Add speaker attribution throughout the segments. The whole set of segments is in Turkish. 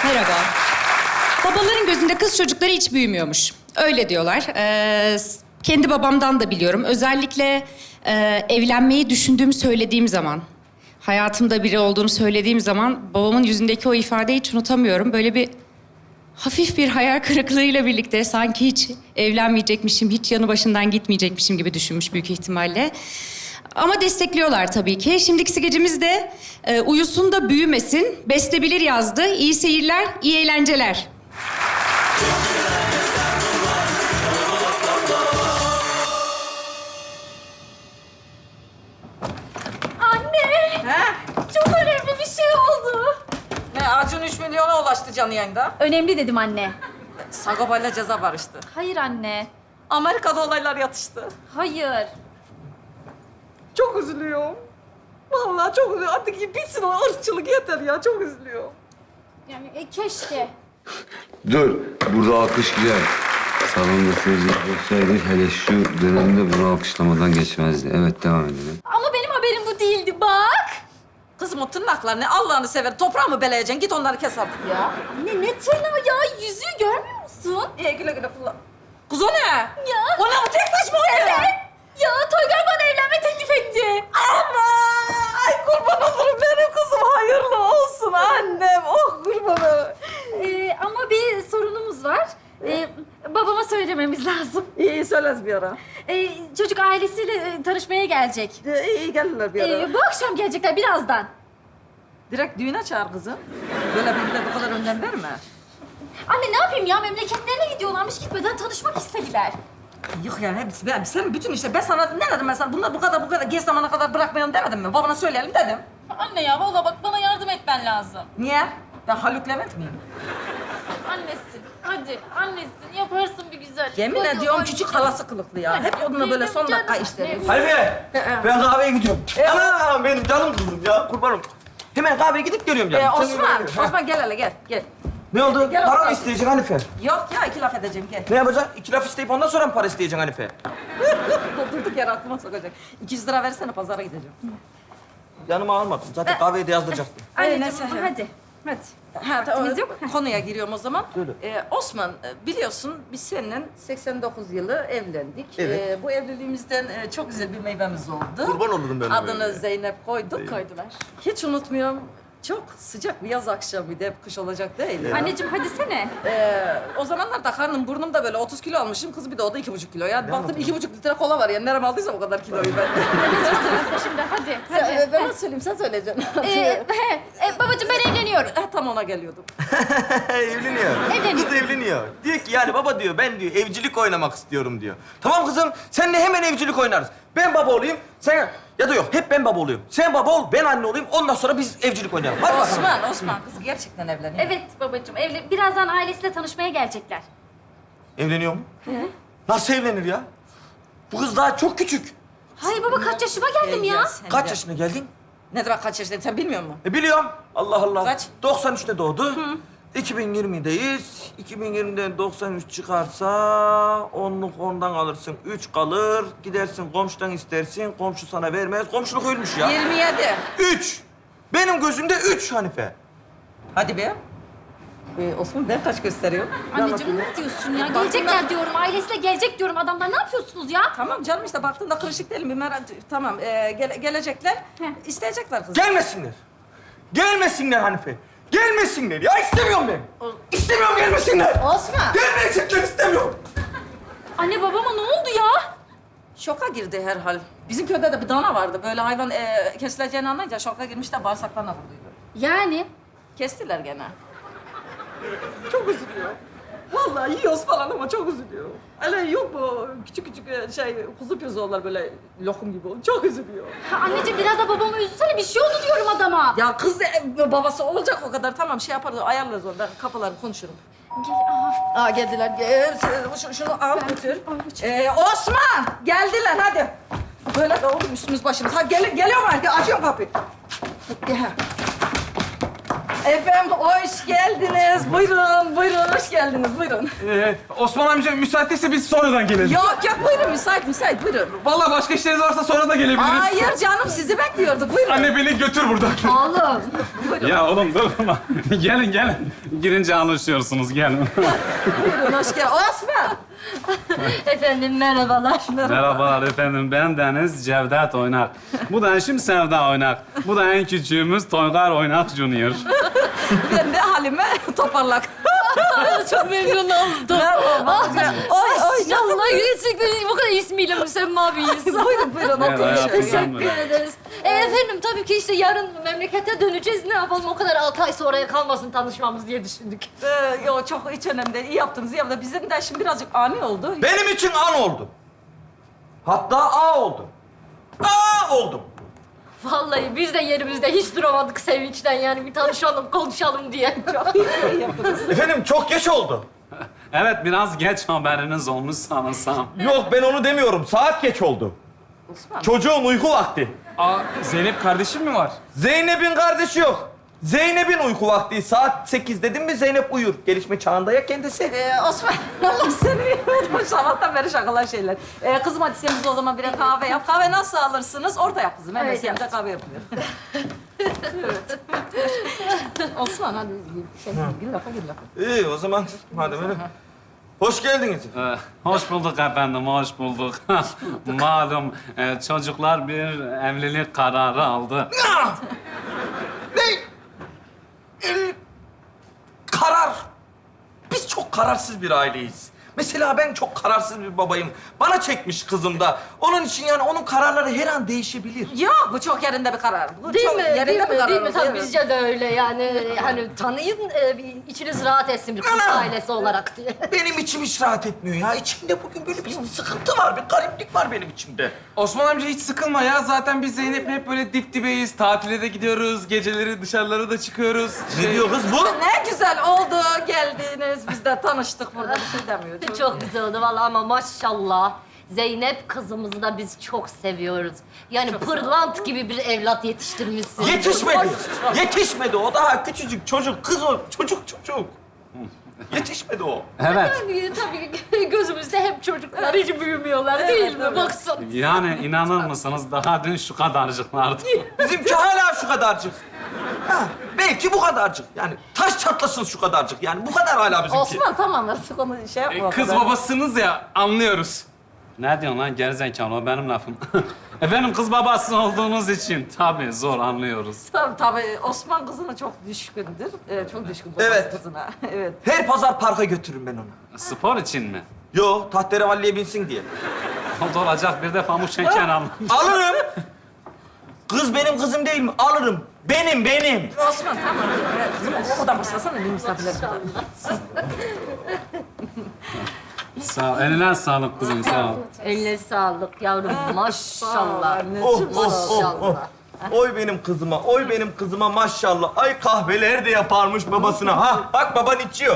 Speaker 1: Merhaba. Babaların gözünde kız çocukları hiç büyümüyormuş. Öyle diyorlar. Kendi babamdan da biliyorum. Özellikle evlenmeyi düşündüğümü söylediğim zaman... hayatımda biri olduğunu söylediğim zaman babamın yüzündeki o ifadeyi hiç unutamıyorum. Böyle bir hafif bir hayal kırıklığıyla birlikte sanki hiç evlenmeyecekmişim, hiç yanı başından gitmeyecekmişim gibi düşünmüş büyük ihtimalle. Ama destekliyorlar tabii ki. Şimdiki skecimiz de uyusun da büyümesin. Beste Bilir yazdı. İyi seyirler, iyi eğlenceler.
Speaker 2: Anne!
Speaker 3: He?
Speaker 2: Çok önemli bir şey oldu.
Speaker 3: Ne, Acun 3 milyona ulaştı canlı yayında.
Speaker 2: Önemli dedim anne.
Speaker 3: Sagopa'yla ceza barıştı.
Speaker 2: Hayır anne.
Speaker 3: Amerika'da olaylar yatıştı.
Speaker 2: Hayır.
Speaker 3: Çok üzülüyorum. Vallahi çok üzülüyorum. Artık bitsin o ırkçılık yeter ya. Çok üzülüyorum.
Speaker 2: Yani keşke.
Speaker 4: Dur, burada alkış güzel. Salonda seyirciler olsaydı hele şu dönemde bunu alkışlamadan geçmezdi. Evet, devam edelim.
Speaker 2: Ama benim haberim bu değildi bak.
Speaker 3: Kızım o tırnaklarını Allah'ını sever. Toprağı mı beleyeceksin? Git onları kes artık ya.
Speaker 2: Anne ne tırnağı ya? Yüzüğü görmüyor musun?
Speaker 3: İyi güle güle kullan. Kız o ne?
Speaker 2: Ya.
Speaker 3: O ne bu tek taş mı o ne?
Speaker 2: Evet. Ya Toygar bana evlenme teklif etti.
Speaker 3: Ama ay kurban olurum benim kızım. Hayırlı olsun annem. Oh kurbanım.
Speaker 2: Ama bir sorunumuz var. Babama söylememiz lazım.
Speaker 3: İyi söyleriz bir ara.
Speaker 2: Çocuk ailesiyle tanışmaya gelecek.
Speaker 3: İyi gelirler bir ara.
Speaker 2: Bu akşam gelecekler birazdan.
Speaker 3: Direkt düğüne çağır kızım. Böyle birbirine bu kadar önem verme.
Speaker 2: Anne ne yapayım ya? Memleketlerine gidiyorlarmış, gitmeden tanışmak istediler.
Speaker 3: Yok yani hepsi, sen bütün işte ben sana ne dedim ben sana? Bunlar bu kadar geç zamana kadar bırakmayalım demedim mi? Babana söyleyelim dedim.
Speaker 2: Anne ya vallahi bak bana yardım etmen lazım.
Speaker 3: Niye? Ben Haluk Levent miyim?
Speaker 2: Annesin. Hadi annesin. Yaparsın bir güzellik.
Speaker 3: Yemin
Speaker 2: Hadi,
Speaker 3: ediyorum
Speaker 2: hadi.
Speaker 3: küçük halası kılıklı ya. Hep onunla böyle son dakika işleri.
Speaker 5: Halife, ben kahveye gidiyorum. Anam benim canım kızım ya, kurbanım. Hemen kahveye gidip geliyorum canım.
Speaker 3: Osman gel hele gel.
Speaker 5: Ne oldu?
Speaker 3: Gel
Speaker 5: Para
Speaker 3: Osman.
Speaker 5: mı isteyeceksin Hanife?
Speaker 3: Yok ya 2 laf edeceğim gel.
Speaker 5: Ne yapacaksın? 2 laf isteyip ondan sonra mı para isteyeceksin Hanife?
Speaker 3: Durduk yere aklıma sokacak. 200 lira versene pazara gideceğim.
Speaker 5: Yanıma almadım. Zaten kahveye de yazdıracaktım.
Speaker 2: Anneciğim
Speaker 3: neyse.
Speaker 2: hadi. Hadi.
Speaker 3: Ha,
Speaker 2: Vaktimiz yok.
Speaker 3: Konuya giriyorum o zaman.
Speaker 5: Söyle.
Speaker 3: Osman, biliyorsun biz seninle 89 yılı evlendik.
Speaker 5: Evet.
Speaker 3: Bu evliliğimizden çok güzel bir meyvemiz oldu.
Speaker 5: Kurban olurum ben o
Speaker 3: Adını
Speaker 5: meyveye.
Speaker 3: Zeynep koyduk. Koydular. Hiç unutmuyorum. Çok sıcak bir yaz akşamıydı. Hep kış olacak değil.
Speaker 2: Anneciğim hadi sene.
Speaker 3: O zamanlar da karnım burnum da böyle 30 kilo almışım. Kız bir de o da 2,5 kilo. Yani baktım 2,5 litre kola var. Yani nerem aldıysam o kadar kiloyu ben.
Speaker 2: Anneciğim sırası şimdi hadi. Hadi.
Speaker 3: Ben nasıl söyleyeyim sen söyleyeceksin.
Speaker 2: Babacığım ben evleniyorum.
Speaker 3: Tam ona geliyordum.
Speaker 5: Evleniyor.
Speaker 2: Evleniyor.
Speaker 5: Kız evleniyor. Diyor ki yani baba diyor ben diyor evcilik oynamak istiyorum diyor. Tamam kızım seninle hemen evcilik oynarız. Ben baba olayım sen ya da yok hep ben baba olayım. Sen baba ol ben anne olayım ondan sonra biz evcilik oynayalım. Hadi bakalım.
Speaker 3: Osman kız gerçekten evleniyor.
Speaker 2: Evet babacığım birazdan ailesiyle tanışmaya gelecekler.
Speaker 5: Evleniyor mu? Nasıl evlenir ya? Bu kız daha çok küçük.
Speaker 2: Hayır baba kaç yaşıma geldim ya.
Speaker 5: Kaç yaşına geldin?
Speaker 3: Ne demek kaç yaşındayım sen bilmiyor musun?
Speaker 5: Biliyorum. Allah Allah.
Speaker 3: Kaç?
Speaker 5: 93'te doğdu. 2020'deyiz. 2020'den 93 çıkarsa onluk ondan alırsın. 3 kalır. Gidersin komşudan istersin. Komşu sana vermez. Komşuluk ölmüş ya.
Speaker 3: 27.
Speaker 5: 3. Benim gözümde 3 Hanife.
Speaker 3: Hadi be. Osman ben kaç gösteriyorum?
Speaker 2: Anneciğim ne diyorsun ya? Gelecekler diyorum. Ailesiyle gelecek diyorum. Adamlar ne yapıyorsunuz ya?
Speaker 3: Tamam canım işte baktığında kırışık değilim. Bir merak... Tamam gelecekler. İsteyecekler kızı.
Speaker 5: Gelmesinler. Gelmesinler Hanife. Gelmesinler ya istemiyorum ben. İstemiyorum gelmesinler.
Speaker 3: Osman.
Speaker 5: Gelmeyecekler istemiyorum.
Speaker 2: Anne babama ne oldu ya?
Speaker 3: Şoka girdi herhal. Bizim köyde de bir dana vardı. Böyle hayvan kesileceğini anlayınca şoka girmiş de bağırsaklarına vurduydu.
Speaker 2: Yani?
Speaker 3: Kestiler gene. Çok üzülüyor. Vallahi yiyoruz falan ama çok üzülüyor. Öyle yok mu küçük kuzu pirzolar böyle lokum gibi oldu. Çok üzülüyor.
Speaker 2: Anneciğim biraz da babamı üzülsene. Bir şey oldu diyorum adama.
Speaker 3: Ya kız babası olacak o kadar. Tamam şey yaparız, ayarlarız onu. Ben kafalarını konuşurum.
Speaker 2: Gel, aha.
Speaker 3: Geldiler. Şunu al götür. Osman! Geldiler hadi. Böyle de oğlum üstümüz başımız. Hadi geliyorum hadi. Açıyorum kapıyı. Gel. Efendim hoş geldiniz. Buyurun, buyurun hoş geldiniz. Buyurun.
Speaker 6: Osman amca müsaitse biz sonradan gelelim.
Speaker 3: Yok yok buyurun müsait buyurun.
Speaker 6: Vallahi başka işleriniz varsa sonra da gelebiliriz.
Speaker 3: Hayır canım sizi bekliyorduk. Buyurun.
Speaker 6: Anne beni götür buradan.
Speaker 2: Oğlum.
Speaker 7: Ya oğlum durma. gelin. Girince anlaşıyorsunuz, gelin.
Speaker 3: Buyurun hoş geldin. Osman.
Speaker 2: Efendim merhabalar.
Speaker 7: Merhabalar efendim, ben Deniz Cevdet Oynak. Bu da eşim Sevda Oynak. Bu da en küçüğümüz Toygar Oynak Junior.
Speaker 3: Ben de Halime Toparlak.
Speaker 2: Çok memnun oldum.
Speaker 3: Merhaba. Oy.
Speaker 2: İnşallah gerçekten bu kadar ismiyle müsemma bir isim.
Speaker 3: Buyurun buyurun
Speaker 7: Evet,
Speaker 3: oturun.
Speaker 7: hayatım.
Speaker 2: Teşekkür ederiz. Efendim tabii ki işte yarın memlekete döneceğiz. Ne yapalım o kadar 6 ay sonraya kalmasın tanışmamız diye düşündük.
Speaker 3: Yok çok hiç önemli değil. İyi yaptınız, iyi yaptınız. Bizim de şimdi birazcık ani oldu.
Speaker 5: Benim için an oldu. Hatta A oldu. A oldum.
Speaker 2: Vallahi biz de yerimizde hiç duramadık sevinçten yani bir tanışalım, konuşalım diye.
Speaker 3: Çok iyi yaptınız.
Speaker 5: Efendim çok geç oldu.
Speaker 7: Evet, biraz geç haberiniz olmuş sanırsam.
Speaker 5: Yok ben onu demiyorum. Saat geç oldu.
Speaker 3: Osman.
Speaker 5: Çocuğun uyku vakti.
Speaker 6: Aa, Zeynep kardeşim mi var?
Speaker 5: Zeynep'in kardeşi yok. Zeynep'in uyku vakti. Saat 8 dedim mi Zeynep uyur. Gelişme çağında ya kendisi.
Speaker 3: Osman, Allah seni unutmuş. Sabahtan beri şakalar şeyler. Kızım hadi sen bize o zaman birer kahve yap. Kahve nasıl alırsınız? Orta yap kızım. Hemen
Speaker 2: Evet,
Speaker 3: sevimde kahve yapılıyor. Evet. Osman hadi gir lafa.
Speaker 5: İyi o zaman hadi böyle. Hoş geldiniz.
Speaker 7: Hoş bulduk efendim, hoş bulduk. Malum çocuklar bir evlilik kararı aldı.
Speaker 5: Ne? Karar. Biz çok kararsız bir aileyiz. Mesela ben çok kararsız bir babayım. Bana çekmiş kızım da. Onun için yani onun kararları her an değişebilir.
Speaker 3: Yok bu çok yerinde bir karar. Bu
Speaker 2: Değil
Speaker 3: çok
Speaker 2: mi?
Speaker 3: yerinde
Speaker 2: Değil
Speaker 3: bir
Speaker 2: mi?
Speaker 3: karar.
Speaker 2: Değil mi?
Speaker 3: oldu,
Speaker 2: Tabii
Speaker 3: evet.
Speaker 2: bizce de öyle yani. Hani tanıyın, bir içiniz rahat etsin bir kız
Speaker 5: Ana!
Speaker 2: ailesi olarak diye.
Speaker 5: Benim içim hiç rahat etmiyor ya. İçimde bugün böyle bir sıkıntı var, bir gariplik var benim içimde.
Speaker 6: Osman amca hiç sıkılma ya. Zaten biz Zeynep'le hep böyle dip dibeyiz. Tatile de gidiyoruz. Geceleri dışarılara da çıkıyoruz.
Speaker 5: Ne diyor kız bu?
Speaker 3: Ne güzel oldu geldiniz. Biz de tanıştık burada bir şey demiyor.
Speaker 2: Çok güzel oldu vallahi ama maşallah. Zeynep kızımızı da biz çok seviyoruz. Yani pırlant gibi bir evlat yetiştirmişsin.
Speaker 5: Yetişmedi. Yetişmedi. O daha küçücük çocuk. Kız o. Çocuk. Yetişmedi o.
Speaker 7: Evet.
Speaker 2: Yani tabii gözümüzde hep çocuklar hiç büyümüyorlar değil mi? Baksana.
Speaker 7: Yani inanır mısınız, daha dün şu kadarcıklardı.
Speaker 5: Bizimki hala şu kadarcık. Ha, belki bu kadarcık. Yani taş çatlasın şu kadarcık. Yani bu kadar hala bizimki.
Speaker 3: Osman tamam artık onu şey yapma. o
Speaker 6: Kız
Speaker 3: kadar.
Speaker 6: babasınız ya, anlıyoruz.
Speaker 7: Ne diyorsun lan gerizekalı, o benim lafım. Efendim kız babası olduğunuz için tabii zor anlıyoruz.
Speaker 3: Tabii Osman kızına çok düşkündür. Çok düşkün babası
Speaker 5: Evet.
Speaker 3: kızına. Evet.
Speaker 5: Her pazar parka götürürüm ben onu.
Speaker 7: Spor için mi?
Speaker 5: Yo, tahterevalliye binsin diye.
Speaker 7: O da olacak, bir de pamuk şeker alın.
Speaker 5: Alırım. Kız benim kızım değil mi? Alırım. Benim.
Speaker 3: Osman tamam. Evet, kızım okuldan başlasana bir misafirler.
Speaker 7: Sağ ol, eline sağlık kızım, sağ ol.
Speaker 2: Eline sağlık yavrum maşallah.
Speaker 5: Oh. Oy benim kızıma maşallah. Ay kahveler de yaparmış babasına. Ha, bak baban içiyor.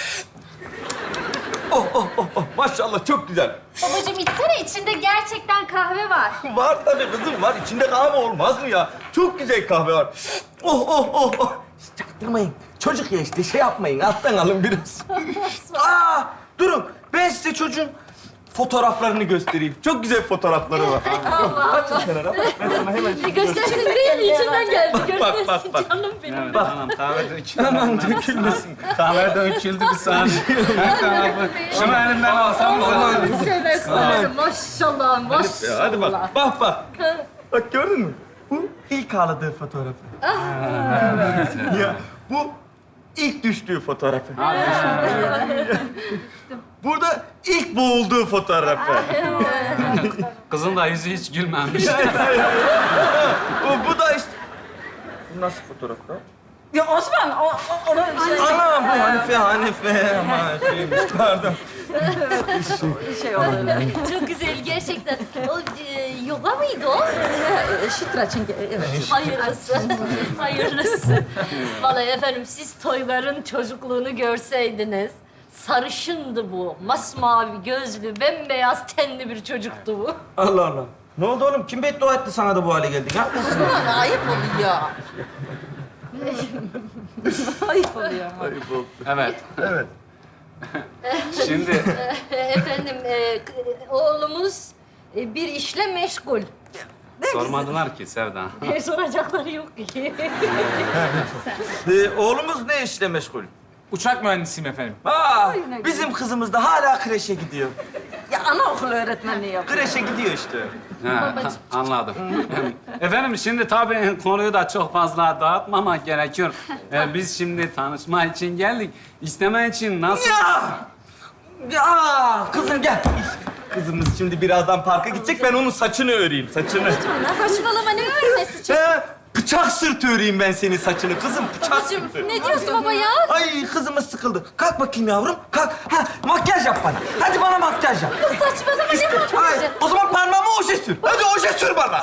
Speaker 5: Oh. Maşallah çok güzel.
Speaker 2: Babacığım içsene içinde gerçekten kahve var.
Speaker 5: Var tabii kızım var. İçinde kahve olmaz mı ya? Çok güzel kahve var. Oh. Hiç çaktırmayın. Çocuk ya işte şey yapmayın. Alttan alın biraz. Durun. Ben size çocuğun fotoğraflarını göstereyim. Çok güzel fotoğrafları var. Kaçın kenara. Ben sana hemen şimdi
Speaker 2: Göstersin değil mi? İçinden geldi.
Speaker 5: Bak.
Speaker 2: Görüyorsun canım benim.
Speaker 7: Evet, tamam, kahve döküldü.
Speaker 5: Aman dökülmesin.
Speaker 7: Kahve döküldü bir saniye. Her tarafı. Şunu elimden alsam mı?
Speaker 2: Maşallah.
Speaker 5: Hadi bak. Bak gördün mü? Bu ilk ağladığı fotoğrafı. Ya bu ilk düştüğü fotoğrafı. Burada ilk boğulduğu fotoğrafı.
Speaker 7: Kızın da yüzü hiç gülmemiş.
Speaker 5: Bu da işte... Bu nasıl fotoğraf lan?
Speaker 3: Ya Osman onu şey...
Speaker 5: Anam bu Hanife. Aman şeymiş pardon.
Speaker 3: şey oldu öyle.
Speaker 2: Çok güzel gerçekten. O yoga mıydı o?
Speaker 3: Şitra çünkü evet.
Speaker 2: Hayırlısı. Vallahi efendim siz Toygar'ın çocukluğunu görseydiniz. Sarışındı bu. Masmavi gözlü, bembeyaz tenli bir çocuktu bu.
Speaker 5: Allah. Ne oldu oğlum? Kim beddua etti sana da bu hale geldin ha?
Speaker 3: Osman ayıp oluyor. Ayıp oluyor ama.
Speaker 7: Evet.
Speaker 5: Evet.
Speaker 7: Şimdi
Speaker 2: Efendim, oğlumuz bir işle meşgul.
Speaker 7: sormadılar ki Sevda.
Speaker 2: Soracakları yok ki.
Speaker 5: Oğlumuz ne işle meşgul?
Speaker 6: Uçak mühendisiyim efendim.
Speaker 5: Aa, bizim kızımız da hala kreşe gidiyor.
Speaker 3: Ya anaokulu öğretmenliği yapıyor.
Speaker 5: Kreşe gidiyor işte.
Speaker 7: Ha, anladım. Efendim şimdi tabii konuyu da çok fazla dağıtmamak gerekiyor. Biz şimdi tanışma için geldik. İsteme için nasıl...
Speaker 5: Ya kızım gel. Kızımız şimdi birazdan parka gidecek. Ben onun saçını öreyim, saçını.
Speaker 8: Saçmalama ne örmesi?
Speaker 5: Bıçak sırtı öreyim ben senin saçını kızım. Bıçak sırtı.
Speaker 8: Ne diyorsun baba ya?
Speaker 5: Ay kızımız sıkıldı. Kalk bakayım yavrum. Kalk. Ha, makyaj yap bana. Hadi bana makyaj yap.
Speaker 8: Saçmalama ne
Speaker 5: Ay,
Speaker 8: makyajı?
Speaker 5: o zaman parmağıma oje sür. Hadi oje sür bana.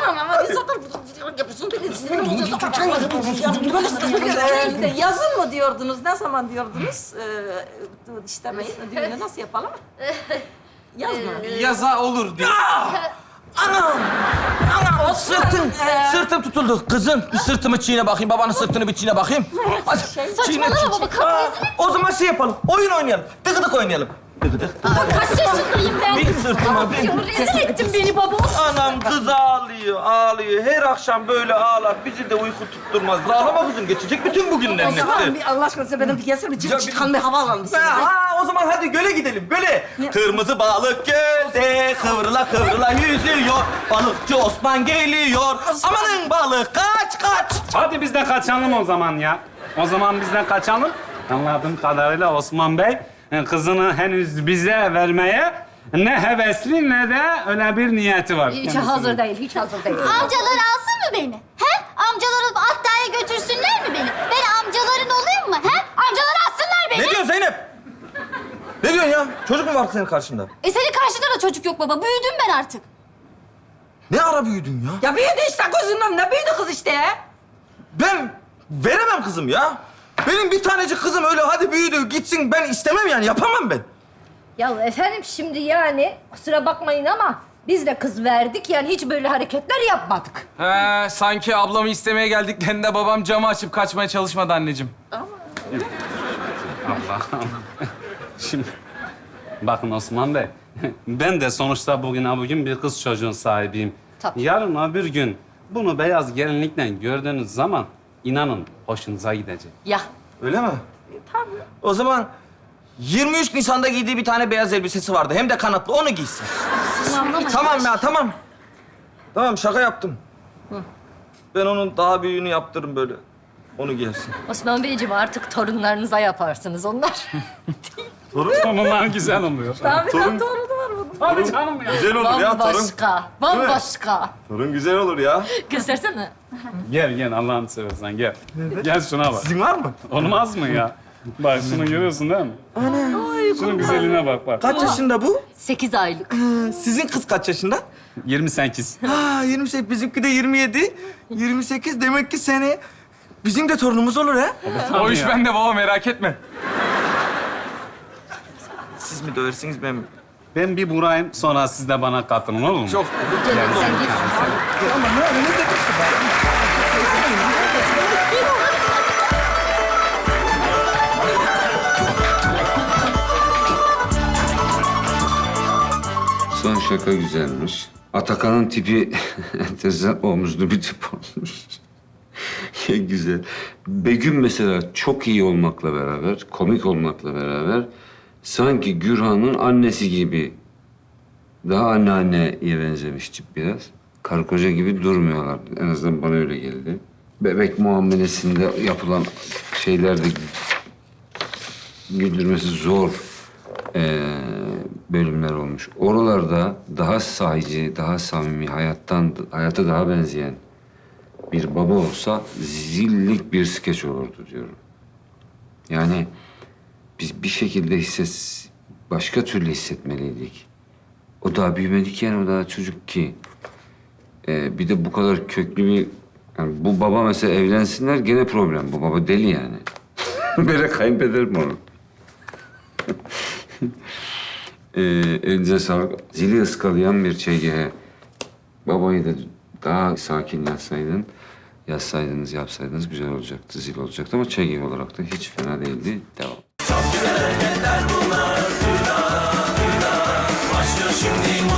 Speaker 3: İşte yazın mı diyordunuz? Ne zaman diyordunuz? İstemeyin. Düğünü nasıl yapalım? Yaz mı?
Speaker 6: Yaza olur diyor.
Speaker 5: Anam! Anam! Sırtım tutuldu. Kızım bir sırtımı çiğne bakayım. Babanın sırtını bir çiğne bakayım. Hadi
Speaker 8: Saçmalama baba, kalk
Speaker 5: Aa, o zaman şey yapalım. Oyun oynayalım. Dıgıdık oynayalım. Dıgıdık.
Speaker 8: Kaç yaşındayım ben?
Speaker 5: Bir sırtıma bir.
Speaker 8: Ya, rezil ettin beni baba.
Speaker 5: Anam kız ağlıyor, ağlıyor. Her akşam böyle ağlar. Bizi de uyku tutturmaz. Ağlama kızım. Geçecek bütün bugünlerin hepsi.
Speaker 3: Bir Allah aşkına size benim bir gelsene. Bir çıkan bir hava alalım size.
Speaker 5: Ha, o zaman hadi göle gidelim. Göle. Kırmızı balık gölde kıvrıla kıvrıla yüzüyor. Balıkçı Osman geliyor. Amanın balık kaç kaç.
Speaker 7: Hadi biz de kaçalım o zaman ya. O zaman biz de kaçalım. Anladığım kadarıyla Osman Bey kızını henüz bize vermeye ne hevesli ne de öyle bir niyeti var.
Speaker 2: Hiç hazır değil, hiç hazır değil.
Speaker 8: Amcalar alsın mı beni? He? Amcaları Atta'ya götürsünler mi beni? Ben amcaların olayım mı? He? Amcalar alsınlar beni.
Speaker 5: Ne diyorsun Zeynep? Ne diyorsun ya? Çocuk mu var senin karşında?
Speaker 8: Senin karşında da çocuk yok baba. Büyüdüm ben artık.
Speaker 5: Ne ara büyüdün ya?
Speaker 3: Ya büyüdü işte gözünden. Ne büyüdü kız işte ya?
Speaker 5: Ben veremem kızım ya. Benim bir tanecik kızım öyle hadi büyüdü gitsin ben istemem yani yapamam ben.
Speaker 2: Ya efendim şimdi yani kusura bakmayın ama biz de kız verdik yani hiç böyle hareketler yapmadık.
Speaker 6: He, sanki ablamı istemeye geldiklerinde babam camı açıp kaçmaya çalışmadı anneciğim.
Speaker 7: Allah'ım. Şimdi bakın Osman Bey, ben de sonuçta bugün bir kız çocuğun sahibiyim.
Speaker 2: Tabii.
Speaker 7: Yarın öbür gün bunu beyaz gelinlikle gördüğünüz zaman inanın hoşunuza gidecek.
Speaker 2: Ya
Speaker 5: Öyle mi? Tabii. O zaman 23 Nisan'da giydiği bir tane beyaz elbisesi vardı. Hem de kanatlı. Onu giysin. Tamam ya, tamam. Tamam, şaka yaptım. Ben onun daha büyüğünü yaptırırım böyle. Onu giyersin.
Speaker 2: Osman Beyciğim artık torunlarınıza yaparsınız onlar.
Speaker 7: Torunlar güzel oluyor.
Speaker 3: Tabii torunu var bunun.
Speaker 7: Hadi canım ya.
Speaker 5: Güzel olur ya torun.
Speaker 2: Bambaşka, bambaşka.
Speaker 5: Torun güzel olur ya.
Speaker 2: Göstersene.
Speaker 7: Gel Allah'ını seversen gel. Gel şuna bak.
Speaker 5: Sizin var mı?
Speaker 7: Olmaz mı ya? Bak şunu görüyorsun değil mi? Şunun güzelliğine bak.
Speaker 5: Kaç yaşında bu?
Speaker 2: 8 aylık.
Speaker 5: Sizin kız kaç yaşında?
Speaker 7: 28.
Speaker 5: Ha 28, bizimki de 27. 28 demek ki sene bizim de torunumuz olur ha.
Speaker 6: O iş
Speaker 7: ya.
Speaker 6: bende baba, merak etme.
Speaker 5: Siz mi döversiniz ben mi?
Speaker 7: Ben bir burayım sonra siz de bana katılın olur mu?
Speaker 5: Çok.
Speaker 4: Son şaka güzelmiş. Atakan'ın tipi enteresan omuzlu bir tip olmuş. Güzel. Begüm mesela çok iyi olmakla beraber, komik olmakla beraber sanki Gürhan'ın annesi gibi. Daha anneanneye benzemiş tip biraz. Karı koca gibi durmuyorlar. En azından bana öyle geldi. Bebek muamelesinde yapılan şeylerde güldürmesi zor bölümler olmuş. Oralarda daha sahici, daha samimi, hayata daha benzeyen bir baba olsa zillik bir skeç olurdu diyorum. Yani biz bir şekilde başka türlü hissetmeliydik. O daha büyümedik yani, o daha çocuk ki. Bir de bu kadar köklü bir... Yani bu baba mesela evlensinler gene problem. Bu baba deli yani. Böyle kaybederim onu. Elinize sağlık. Zili ıskalayan bir ÇGH. Babayı da daha sakin yazsaydın yazsaydınız, yapsaydınız güzel olacaktı, zil olacaktı ama çeki olarak da hiç fena değildi. Devam.
Speaker 9: Başlıyor şimdi